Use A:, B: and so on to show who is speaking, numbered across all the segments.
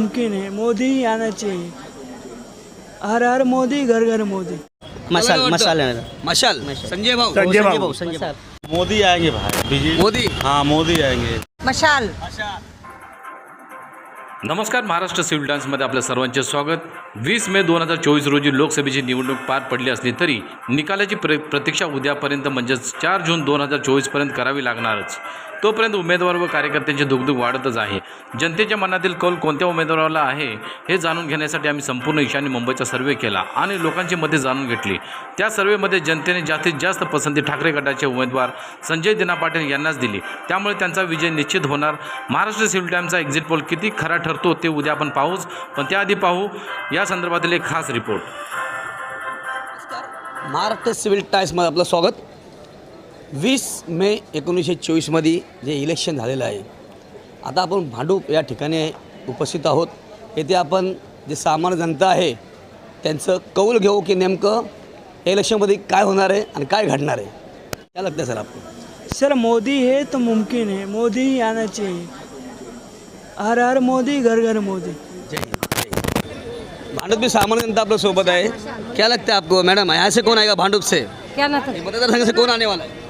A: मुमकिन है, मोदी ही आना चाहिए। हर हर मोदी, घर घर मोदी।
B: मशाल मशाल
C: मशाल संजय भाऊ
B: संजय भाऊ
D: मोदी आएंगे भाई, बीजेपी।
C: मोदी
D: हाँ, मोदी आएंगे।
E: मशाल।
F: नमस्कार, महाराष्ट्र सिव्हिल टाइम्समध्ये आपल्या सर्वांचे स्वागत। 20 मे 2024 रोजी लोकसभेची निवडणूक पार पडली असली तरी निकालाची प्रतीक्षा उद्यापर्यंत म्हणजेच 4 जून 2024पर्यंत करावी लागणारच। तोपर्यंत उमेदवार व कार्यकर्त्यांची दुगदुग वाढतच आहे। जनतेच्या मनातील कौल कोणत्या उमेदवाराला आहे हे जाणून घेण्यासाठी आम्ही संपूर्ण ईशान्य मुंबईचा सर्वे केला आणि लोकांची मते जाणून घेतली। त्या सर्वेमध्ये जनतेने जास्तीत जास्त पसंती ठाकरे गटाचे उमेदवार संजय दिना पाटील यांनाच दिली। त्यामुळे त्यांचा विजय निश्चित होणार। महाराष्ट्र सिव्हिल टाइम्सचा एक्झिट पोल किती खरा ठरतो ते उद्या आपण पाहूच, पण त्याआधी पाहू या संदर्भातील एक खास रिपोर्ट।
C: महाराष्ट्र सिव्हिल टाइम्समध्ये आपलं स्वागत। 20 मे 1924मध्ये जे इलेक्शन झालेलं आहे, आता आपण भांडूप या ठिकाणी उपस्थित आहोत। येथे आपण जे सामान्य जनता आहे त्यांचं कौल घेऊ की नेमकं इलेक्शनमध्ये काय होणार आहे आणि काय घडणार आहे। काय लगतं सर आपको?
A: सर मोदी है तो मुमकिन है, मोदी ही आना चाहिए। हर हर मोदी, घर घर मोदी।
C: जय हिंद। भांडूप में सामान्य जनता आप लोग सोबत है। क्या लगता है आपको मैडम, यहाँ से कौन आएगा भांडूप से?
E: क्या ना था?
C: मतदार से कौन आने वाला है?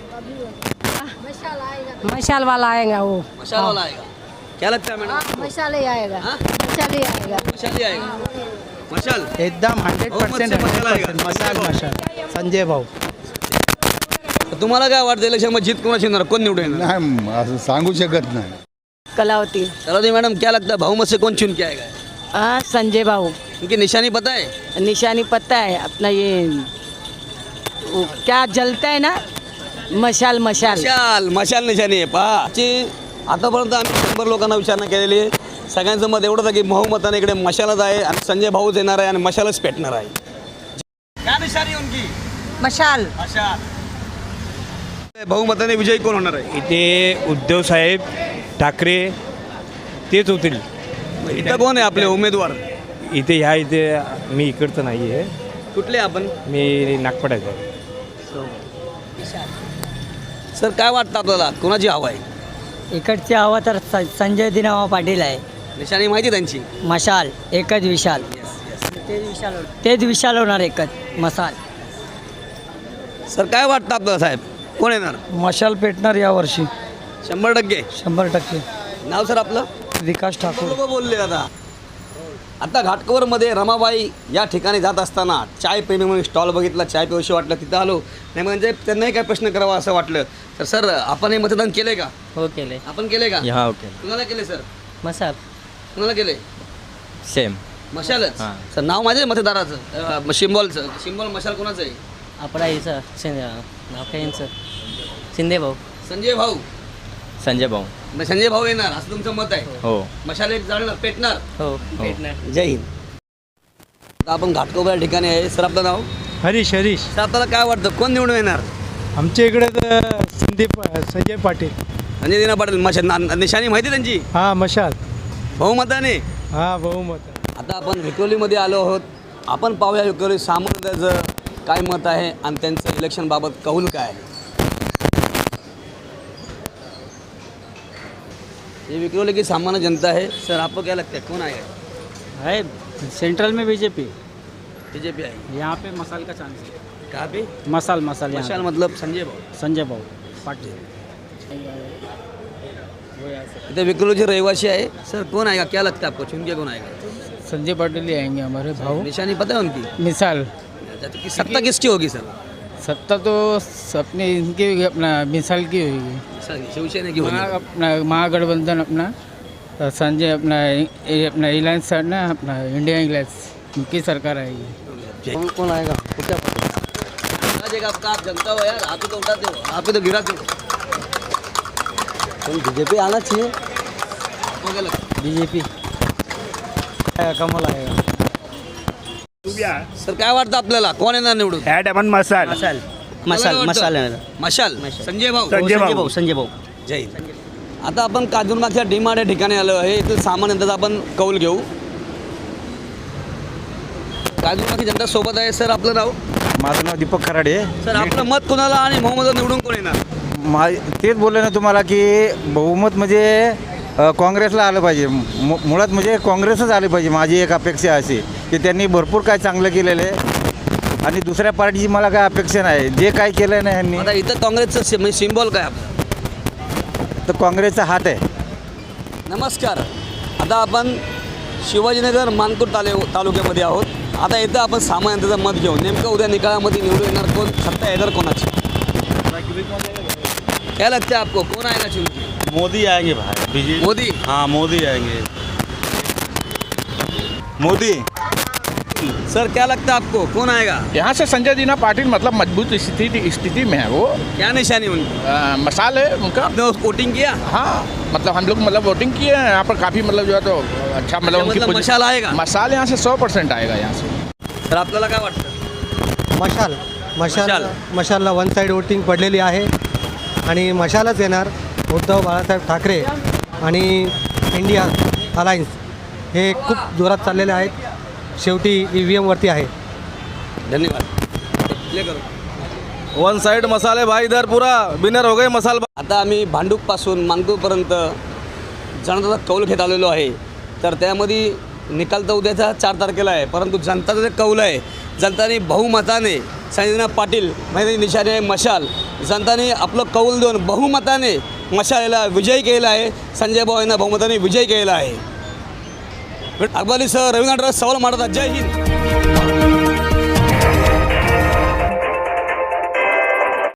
E: मशाल वाला आएगा वो।
C: मशाल वाला आएगा। क्या लगता है मैडम?
E: मशाल ही आएगा।
C: हाँ?
E: मशाल ही आएगा।
C: मशाल ही आएगा। मशाल
G: एकदम 100% मशाल संजय भाऊ।
C: तुम्हाला काय वाटतं इलेक्शन मध्ये जीत कोणाची होणार, कोण निवडून येणार?
H: नाही असं सांगू शकत नाही।
E: कलावती।
C: चलो मैडम, क्या लगता है भाऊ में से कौन चुन के आएगा?
E: हाँ, संजय भाऊ।
C: उनकी निशानी पता है?
E: निशानी पता है अपना, ये वो क्या जलता है ना, मशाल मशाल।
C: मशाल मशाल निशाणी आहे। पहा आतापर्यंत आम्ही 100 लोकांना विचारणा केलेली आहे। सगळ्यांचं मत एवढंच आहे की बहुमताने इकडे मशालच आहे आणि संजय भाऊच येणार आहे आणि मशालच पेटणार आहे। क्या निशानी आहे उनकी?
E: मशाल।
C: मशाल। बहुमताने विजयी कोण होणार आहे?
G: इथे उद्धव साहेब ठाकरे तेच होतील।
C: इथं कोण आहे आपले उमेदवार?
G: इथे मी इकडचं नाही आहे,
C: कुठले आपण?
G: मी नागपडायचं आहे।
C: सर काय वाटतं आपल्याला, कोणाची हवा आहे?
I: इकडची हवा तर संजय दिना पाटील आहे।
C: निशाणी माहिती त्यांची?
I: मशाल, एकच विशाल। तेच विशाल होणार, एकच मशाल।
C: सर काय वाटतं आपल्याला साहेब, कोण येणार?
I: मशाल पेटणार यावर्षी
C: 100%।
I: 100%।
C: नाव सर आपलं?
I: विकास ठाकूर।
C: लोक बोलले आता घाटकोपरमध्ये रमाबाई या ठिकाणी जात असताना चाय प्रेमी म्हणून स्टॉल बघितला, चाय पिवशी वाटलं, तिथं आलो नाही म्हणजे त्यांनाही काय प्रश्न करावा असं वाटलं। तर सर आपण हे मतदान केलंय का?
I: हो केले।
C: आपण केले का?
I: हा ओके।
C: कुणाला केले सर?
I: मशाल।
C: कुणाला केले?
I: सेम
C: मशालच। सर नाव माझे मतदाराचं, सिम्बॉल मशाल कोणाचं आहे?
I: आपला याचं नाव काय यांचं? शिंदे भाऊ।
C: संजय भाऊ।
I: संजय भाऊ।
C: संजय भाऊ येणार असं तुमचं मत आहे?
I: हो।
C: मशाल एक जाणार, पेटणार?
I: हो पेटणार।
C: जय हिंद। आता आपण घाटकोपर या ठिकाणी आहे। सर आपलं नाव?
G: हरीश।
C: सर आपल्याला काय वाटतं, कोण निवडून येणार?
G: आमच्या इकडे तर संजय पाटील।
C: संजय दिना पाटील। मशाल निशाणी माहिती त्यांची?
G: हा मशाल।
C: बहुमताने?
G: हा बहुमत।
C: आता आपण विक्रोलीमध्ये आलो आहोत। आपण पाहूया विक्रोली सामान्याचं काय मत आहे आणि त्यांचं इलेक्शनबाबत कौल काय आहे। ये विक्रोली की सामान्य जनता है। सर आपको क्या लगता है, कौन आएगा?
I: है सेंट्रल में बीजेपी
C: बीजेपी आएगी।
I: यहाँ पे मशाल का चांस है।
C: कहाँ पे?
I: मशाल
C: मशाल मतलब संजय भाऊ।
I: संजय भाऊ पाटील।
C: इधर विक्रोली रहिवासी आहे। सर कौन आएगा, क्या लगता है आपको, चुन के कौन आएगा?
I: संजय पाटिल ही आएंगे हमारे भाऊ।
C: निशानी पता है उनकी?
I: मिसाल।
C: सत्ता किसकी होगी सर?
I: सत्ता तो अपने इनकी अपना मिसाल की होगी।
C: शिवसेना की होगी।
I: अपना महागठबंधन अपना संजय अपना रिलायंस है ना, अपना इंडिया रिलायंस, उनकी सरकार आएगी।
C: कौन आएगा? क्या पता? आप जनता हो यार, आप ही तो उठाते हो, आप ही तो गिराते हो। बीजेपी आना चाहिए। आपको क्या लगता है?
I: बीजेपी कमल आएगा।
C: सर काय वाटतं आपल्याला, कोण येणार निवडून?
G: मशाल।
C: मशाल संजय भाऊ।
I: संजय भाऊ।
C: जय हिंद। आता आपण काजूरमागच्या डीमार्ट या ठिकाणी आलो आहे। इथं सामान्य जनता आपण कौल घेऊ। काजूरमागची जनता सोबत आहे। सर आपलं नाव?
G: माझं नाव दीपक खराडे।
C: सर आपलं मत कोणाला आणि बहुमत निवडून कोण येणार?
G: तेच बोलले ना तुम्हाला की बहुमत म्हणजे
J: काँग्रेसला आलं पाहिजे. मुळात म्हणजे काँग्रेसच आले पाहिजे. माझी एक अपेक्षा अशी की त्यांनी भरपूर काय चांगलं केलेलं आहे आणि दुसऱ्या पार्टीची मला काय अपेक्षा नाही. जे काय केलं नाही ह्यांनी,
C: आता इथं काँग्रेसचं म्हणजे सिम्बॉल काय आपलं?
J: तर काँग्रेसचा हात आहे.
C: नमस्कार. आता आपण शिवाजीनगर मानपूर तालुक्यामध्ये आहोत. आता इथं आपण सामान्य जनतेचं मत घेऊन नेमकं उद्या निकालामध्ये निवडून येणार कोण, सत्ता येणार कोणाची? क्या लगता है आपको, कौन आएगा चुन के?
D: मोदी आएंगे भाई बीजेपी।
C: मोदी.
D: हाँ मोदी आएंगे।
G: मोदी.
C: सर क्या लगता है आपको, कौन आएगा?
K: यहाँ से संजय दीना पाटिल मतलब मजबूत स्थिति में है वो.
C: क्या निशानी उनकी?
K: मसाल है उनका.
C: आपने वोटिंग किया?
K: हाँ मतलब हम लोग मतलब वोटिंग किए हैं यहाँ पर काफ़ी मतलब जो है तो अच्छा मतलब उनकी
C: मतलब मशाल आएगा?
K: मसाल यहाँ से 100% आएगा यहाँ से.
C: तर आपल्याला काय वाटतं?
A: मशाल
C: मशाल.
A: मशालला वन साईड वोटिंग पडलेली आहे आणि मशालच येणार. उद्धव बाळासाहेब ठाकरे आणि इंडिया अलायन्स हे खूप जोरात चाललेले आहेत. शेवटी EVM वरती आहे.
C: धन्यवाद. प्ले करो.
D: वन साइड मसाले भाई इधर पूरा विनर हो गए मसाल।
C: आता आम्ही भांडूपपासून मानपूरपर्यंत जनतेचा कौल घेत आलेलो आहे. तर त्यामध्ये निकाल तर उद्याचा 4 तारखेला आहे, परंतु जनताचा जे कौल आहे, जनताने बहुमताने संजय पाटील म्हणजे निशाने आहे मशाल, जनताने आपलं कौल देऊन बहुमताने मशालेला विजय केला आहे. संजय भाऊ यांना बहुमताने विजय केला आहे. अकबरीसह रवींद्र सवाल मारतात. जय हिंद.